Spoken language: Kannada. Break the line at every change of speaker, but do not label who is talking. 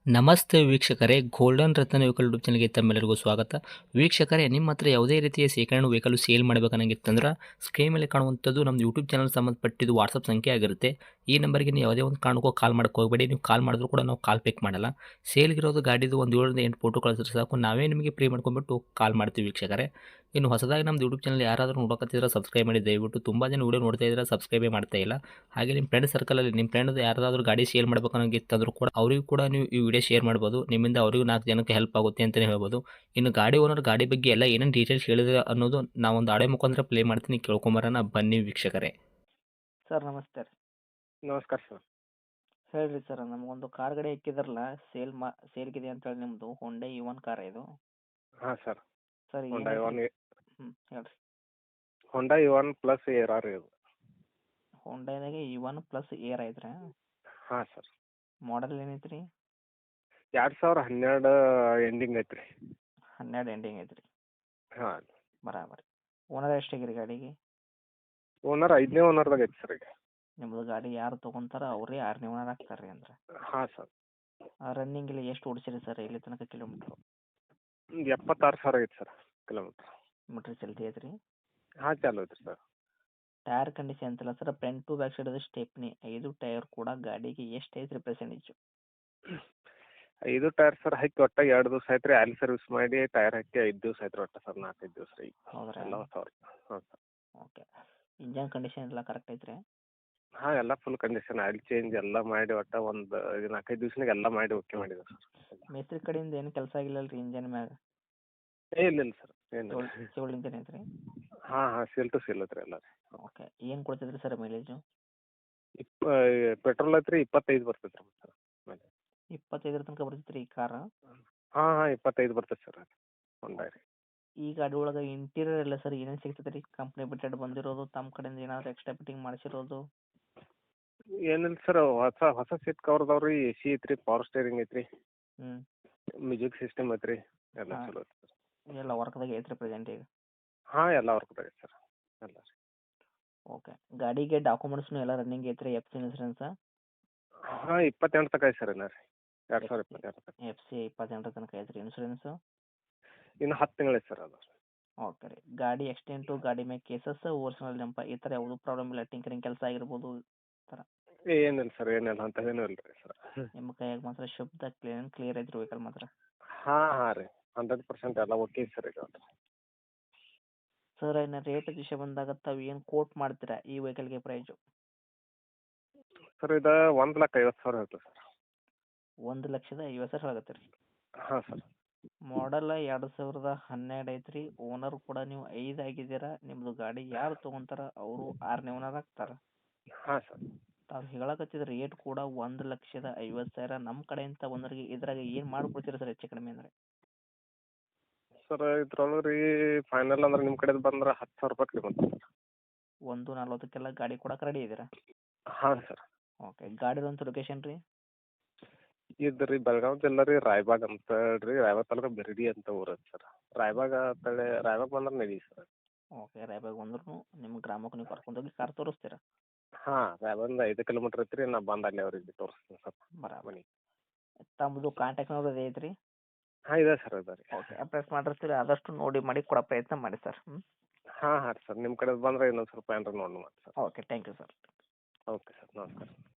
ನಮಸ್ತೆ ವೀಕ್ಷಕರೇ, ಗೋಲ್ಡನ್ ರತ್ನ ವೆಹಿಕಲ್ ಯೂಟ್ಯೂಬ್ ಚಾನಲ್ಗೆ ತಮ್ಮೆಲ್ಲರಿಗೂ ಸ್ವಾಗತ. ವೀಕ್ಷಕರೇ, ನಿಮ್ಮ ಹತ್ರ ಯಾವುದೇ ರೀತಿಯ ಶೇಖರಣೆ ವೆಹಿಕಲ್ ಸೇಲ್ ಮಾಡಬೇಕನ್ನಂಗಿತ್ತಂದ್ರೆ ಸ್ಕ್ರೀನ್ ಮೇಲೆ ಕಾಣುವಂಥದ್ದು ನಮ್ಮ ಯೂಟ್ಯೂಬ್ ಚಾನಲ್ ಸಂಬಂಧಪಟ್ಟಿದ್ದು ವಾಟ್ಸಪ್ ಸಂಖ್ಯೆ ಆಗಿರುತ್ತೆ. ಈ ನಂಬರ್ಗೆ ನೀವು ಯಾವುದೇ ಒಂದು ಕಾರಣಕ್ಕೂ ಕಾಲ್ ಮಾಡಕ್ಕೆ ಹೋಗಬೇಡಿ. ನೀವು ಕಾಲ್ ಮಾಡಿದ್ರು ಕೂಡ ನಾವು ಕಾಲ್ ಪಿಕ್ ಮಾಡಲ್ಲ. ಸೇಲ್ಗಿರೋದು ಗಾಡಿದು ಒಂದು 7ರಿಂದ 8 ಫೋಟೋ ಕಳಿಸಿದ್ರೆ ಸಾಕು, ನಾವೇ ನಿಮಗೆ ಪ್ರೀ ಮಾಡ್ಕೊಂಡ್ಬಿಟ್ಟು ಕಾಲ್ ಮಾಡ್ತೀವಿ ವೀಕ್ಷಕರೇ. ಇನ್ನು ಹೊಸದಾಗಿ ನಮ್ಮದು ಯೂಟ್ಯೂಬ್ ಚಾನಲ್ ಯಾರಾದರೂ ನೋಡೋಕತ್ತಿದ್ರೆ ಸಬ್ಸ್ಕ್ರೈಬ್ ಮಾಡಿ ದಯವಿಟ್ಟು. ತುಂಬ ಜನ ವೀಡಿಯೋ ನೋಡ್ತಾ ಇದ್ದಾರೆ, ಸಬ್ಸ್ಕ್ರೈಬೇ ಮಾಡ್ತಾ ಇಲ್ಲ. ಹಾಗೆ ನಿಮ್ಮ ಫ್ರೆಂಡ್ ಸರ್ಕಲಲ್ಲಿ ನಿಮ್ಮ ಫ್ರೆಂಡ್ ಯಾರಾದರೂ ಗಾಡಿ ಸೇಲ್ ಮಾಡಬೇಕನ್ನೋಂಗಿತ್ತಂದ್ರೂ ಕೂಡ ಅವರಿಗೂ ಕೂಡ ನೀವು ಈ ವಿಡಿಯೋ ಶೇರ್ ಮಾಡ್ಬೋದು. ನಿಮ್ಮಿಂದ ಅವರಿಗೂ 4 ಜನಕ್ಕೆ ಹೆಲ್ಪ್ ಆಗುತ್ತೆ ಅಂತಲೇ ಹೇಳ್ಬೋದು. ಇನ್ನು ಗಾಡಿ ಓನರ್ ಗಾಡಿ ಬಗ್ಗೆ ಎಲ್ಲ ಏನೇನು ಡೀಟೇಲ್ಸ್ ಹೇಳಿದ್ರೆ ಅನ್ನೋದು ನಾವೊಂದು ಆಡಿಯೋ ಮುಖಾಂತರ ಪ್ಲೇ ಮಾಡ್ತೀನಿ, ಕೇಳ್ಕೊಂಬರೋಣ ಬನ್ನಿ ವೀಕ್ಷಕರೇ.
ಸರ್ ನಮಸ್ತೆ ರೀ.
ನಮಸ್ಕಾರ ಸರ್.
ಹೇಳ್ರಿ ಸರ್, ನಮಗೊಂದು ಕಾರ್ ಗಾಡಿ ಹಾಕಿದ್ರಲ್ಲ, ಸೇಲ್ಗಿದೆ ಅಂತೇಳಿ ನಿಮ್ಮದು ಹೊಂಡೈ ಇ1 ಕಾರ್ ಇದು.
ಹಾಂ ಸರ್.
ಸರ್
ಹೊಂಡಾ
ಏನು
ಇ1
ಹೇಳ್ರಿ.
ಹೊಂಡಾ ಇ1 ಪ್ಲಸ್ ಏರ್ ಆರ್ ಇದು.
ಹೊಂಡೈದಾಗೆ ಇ1 ಪ್ಲಸ್ ಏರ್ ಐತ್ರಿ.
ಹಾಂ ಸರ್.
ಮಾಡಲ್ ಏನೈತೆ ರೀ?
2012 ಎಂಡಿಂಗ್ ಐತ್ರಿ.
12 ಎಂಡಿಂಗ್ ಐತ್ರಿ.
ಹಾಂ.
ಬರಾಬರಿ. ಓನರ್ ಎಷ್ಟಾಗಿರಿ ಗಾಡಿಗೆ?
ಓನರ್ 5ನೇ ಓನರ್ದಾಗ ಐತಿ ಸರ್ ಈಗ.
ನಿಮ್ಮದು ಗಾಡಿ ಯಾರು ತೊಗೊಂತಾರ ಅವರೇ 6ನೇ ಓನರ್ ಆಗ್ತಾರೆ ರೀ ಅಂದ್ರೆ.
ಹಾಂ ಸರ್.
ರನ್ನಿಂಗ್ ಇಲ್ಲಿ ಎಷ್ಟು ಓಡಿಸಿರಿ ಸರ್ ಇಲ್ಲಿ ತನಕ ಕಿಲೋಮೀಟ್ರು?
76,000 ಆಗೈತೆ ಸರ್ ಕಿಲೋಮೀಟ್ರ್.
ಮೀಟ್ರ್ ಚಲ್ತಿ ಐತ್ರಿ.
ಹಾಂ ಚಾಲು ಐತ್ರಿ ಸರ್.
ಟೈರ್ ಕಂಡೀಷನ್ ಅಂತಲ್ಲ sir, front to back side stepney 5 tyre ಕೂಡ ಗಾಡಿಗೆ ಎಷ್ಟು ಐತ್ರಿ ಪರ್ಸೆಂಟೇಜು?
5 ಟೈರ್ ಸರ್ ಹಾಕಿ ಒಟ್ಟು 2 ದಿವಸ ಆಯ್ತು ರೀ. ಆಯಿಲ್ ಸರ್ವಿಸ್ ಮಾಡಿ ಟೈರ್ ಹಾಕಿ 5 ದಿವಸ ಆಯ್ತು ಒಟ್ಟು ಸರ್. 4-5 ದಿವಸ ರೀ.
ಹೌದ್ರಾ?
ಎಲ್ಲ ಹೊಸವ್ರಿ. ಹಾಂ ಸರ್.
ಓಕೆ. ಇಂಜನ್ ಕಂಡೀಷನ್ ಎಲ್ಲ ಕರೆಕ್ಟ್ ಐತ್ರಿ?
ಹಾಂ ಎಲ್ಲ ಫುಲ್ ಕಂಡೀಷನ್, ಆಯಿಲ್ ಚೇಂಜ್ ಎಲ್ಲ ಮಾಡಿ ಒಟ್ಟು ಒಂದು 4-5 ದಿವ್ಸನಾಗ ಎಲ್ಲ ಮಾಡಿ ಓಕೆ ಮಾಡಿದೆ ಸರ್.
ಮೇಸ್ತ್ರಿ ಕಡೆಯಿಂದ ಏನು ಕೆಲಸ ಆಗಿಲ್ಲಲ್ಲ ರೀ ಇಂಜನ್ ಮ್ಯಾಗ?
ಇಲ್ಲ ಸರ್ ಏನು.
ಸಿವಿಲ್ ಇಂಜನ್ ಐತ್ರಿ?
ಹಾಂ ಹಾಂ ಸೀಲ್ ಟು ಸೀಲ್ ಐತ್ರಿ ಎಲ್ಲ ರೀ.
ಓಕೆ. ಏನು ಕೊಡ್ತೈತ್ರಿ ಸರ್ ಮೈಲೇಜು?
ಪೆಟ್ರೋಲ್ ಐತ್ರಿ 25 ಬರ್ತೈತೆ ರೀ ಸರ್ ಮೇಲೆ.
25 ತನಕ ಬರ್ತೈತೆ ರೀ ಈ ಕಾರ್?
ಹಾಂ ಹಾಂ 25 ಬರ್ತೈತೆ ಸರ್ ಅದು ಹೊಂಡಾ ರೀ.
ಈ ಗಾಡಿ ಒಳಗೆ ಇಂಟೀರಿಯರ್ ಎಲ್ಲ ಸರ್ ಏನೇನು ಸಿಗ್ತೈತೆ ರೀ? ಕಂಪ್ನಿ ಬಿಟ್ಟೆಡ್ ಬಂದಿರೋದು, ತಮ್ಮ ಕಡೆಯಿಂದ ಏನಾದರೂ ಎಕ್ಸ್ಟ್ರಾ ಫಿಟ್ಟಿಂಗ್ ಮಾಡಿಸಿರೋದು?
ಏನಿಲ್ಲ ಸರ್, ಹೊಸ ಸೀಟ್ ಕವರ್ ಅದಾವೆ ರೀ. ಎ ಸಿ ಐತ್ರಿ, ಪವರ್ ಸ್ಟೇರಿಂಗ್ ಐತ್ರಿ,
ಹ್ಞೂ.
ಮ್ಯೂಸಿಕ್ ಸಿಸ್ಟಮ್ ಐತ್ರಿ, ಎಲ್ಲ
ಹಾಂ.
ಚಲೋ ಐತೆ ಸರ್.
ಎಲ್ಲ ವರ್ಕ್ದಾಗ ಐತ್ರಿ ಪ್ರೆಸೆಂಟ್ ಈಗ?
ಹಾಂ ಎಲ್ಲ ವರ್ಕ್ದಾಗ ಐತೆ ಸರ್ ಎಲ್ಲ ರೀ.
ಓಕೆ. ಗಾಡಿಗೆ ಡಾಕ್ಯುಮೆಂಟ್ಸ್ನು ಎಲ್ಲ ರನ್ನಿಂಗ್ ಐತ್ರಿ? ಎಫ್ ಸಿ ಇನ್ಸೂರೆನ್ಸಾ?
ಹಾಂ 28 ತನಕ ಐತೆ ಸರ್ ಇನ್ನು ರೀ. 2022 ತನಕ.
ಎಫ್ ಸಿ 28 ತನಕ ಐತ್ರಿ. ಇನ್ಸೂರೆನ್ಸು?
ಇನ್ನು 10 ತಿಂಗಳು ಐತೆ ಸರ್ ಅದು.
ಓಕೆ ರೀ. ಗಾಡಿ ಆಕ್ಸಿಡೆಂಟು, ಗಾಡಿ ಮೇಲೆ ಕೇಸಸ್, ಓರ್ಜಿನಲ್ ನೆಂಪ ಈ ಥರ ಯಾವುದೂ ಪ್ರಾಬ್ಲಮ್ ಇಲ್ಲ? ಟಿಂಕರಿಂಗ್ ಕೆಲಸ ಆಗಿರ್ಬೋದು ಈ ಥರ?
ಏನಿಲ್ಲ ಸರ್, ಏನಿಲ್ಲ ಅಂಥದ್ದೇನೂ ಇಲ್ಲ ರೀ ಸರ್.
ನಿಮ್ಮ ಕೈಯಾಗ ಮಾತ್ರ ಶುದ್ಧ ಕ್ಲಿಯರ್ ಐತ್ರಿ ವೆಹಿಕಲ್ ಮಾತ್ರ?
ಹಾಂ ಹಾಂ ರೀ 100% ಎಲ್ಲ ಓಕೆ ಸರ್ ಈಗ.
ಸರ್ ಇನ್ನು ರೇಟ್ ವಿಷಯ ಬಂದಾಗ ತಾವು ಏನು ಕೋಟ್ ಮಾಡ್ತೀರಾ ಈ ವೆಹಿಕಲ್ಗೆ ಪ್ರೈಸು?
ಸರ್ ಇದು 1,50,000 ಹೇಳ್ತೀವಿ ಸರ್.
1,50,000 ಆಗತ್ತೆ ರೀ.
ಹಾಂ ಸರ್.
ಮಾಡಲ್ 2012 ಐತ್ರಿ. ಓನರ್ ಕೂಡ ನೀವು 5 ಆಗಿದ್ದೀರಾ. ನಿಮ್ಮದು ಗಾಡಿ ಯಾರು ತೊಗೊಂತಾರ ಅವರು 6ನೇ ಓನರ್ ಆಗ್ತಾರೆ.
ಹಾಂ ಸರ್.
ತಾವು ಹೇಳಕತ್ತಿದ ರೇಟ್ ಕೂಡ 1,50,000. ನಮ್ಮ ಕಡೆಯಿಂದ ಒಂದರಿಗೆ ಇದ್ರಾಗ ಏನು ಮಾಡಿಕೊಡ್ತೀರಾ ಸರ್ ಹೆಚ್ಚು ಕಡಿಮೆ ಅಂದರೆ?
ಸರ್ ಇದ್ರೊಳಗೆ ರೀ ಫೈನಲ್ ಅಂದ್ರೆ ನಿಮ್ಮ ಕಡೆದು ಬಂದ್ರೆ 10,000 ರೂಪಾಯಿ ಕಡಿಮೆ ಆಗ್ತದೆ ಸರ್.
1,40,000 ಗಾಡಿ ಕೊಡಕ್ಕೆ ರೆಡಿ ಇದ್ದೀರಾ?
ಹಾಂ ಸರ್.
ಓಕೆ. ಗಾಡಿರೋಂಥ ಲೊಕೇಶನ್ ರೀ?
ಇದು ರೀ ಬೆಳಗಾವಿ ಜಿಲ್ಲೆ ರೀ, ರಾಯಬಾಗ್ ಅಂತ ಹೇಳ್ರಿ. ರಾಯಬಾಗ್ ತಾಲೂಕು ಬೆರಡಿ ಅಂತ ಊರು ಐತೆ ಸರ್. ರಾಯಬಾಗ್ ಅಂತೇಳಿ ರಾಯಬಾಗ್ ಬಂದ್ರೆ ನಡಿ ಸರ್.
ಓಕೆ. ರಾಯಬಾಗ್ ಬಂದ್ರೂ ನಿಮ್ಮ ಗ್ರಾಮಕ್ಕೆ ನೀವು ಕರ್ಕೊಂಡೋಗಿ ಕಾರ್ ತೋರಿಸ್ತೀರಾ?
ಹಾಂ ರಾಯಬಾಗಿಂದ 5 ಕಿಲೋಮೀಟ್ರ್ ಐತೆ ರೀ. ನಾ ಬಂದು ಅಲ್ಲಿ ಅವ್ರಿಗೆ ತೋರಿಸ್ತೀನಿ ಸರ್
ಬರಾಬರಿ.
ಮನೆ.
ತಮ್ಮದು ಕಾಂಟ್ಯಾಕ್ಟ್ ನಂಬರ್ ಅದೇ ಐತ್ರಿ?
ಹಾಂ ಇದೆ ಸರ್, ಇದೆ ರೀ.
ಓಕೆ. ಅಪ್ಡೇಟ್ ಮಾಡಿರ್ತೀರಿ, ಆದಷ್ಟು ನೋಡಿ ಮಾಡಿ ಕೊಡೋ ಪ್ರಯತ್ನ ಮಾಡಿ ಸರ್.
ಹಾಂ ಹಾಂ ಸರ್, ನಿಮ್ಮ ಕಡೆ ಬಂದರೆ ಇನ್ನೊಂದು ಸ್ವಲ್ಪ ಏನಾರ ನೋಡಿ ಮಾಡಿ sir.
Okay. Thank you sir.
Okay sir, ನಮಸ್ಕಾರ.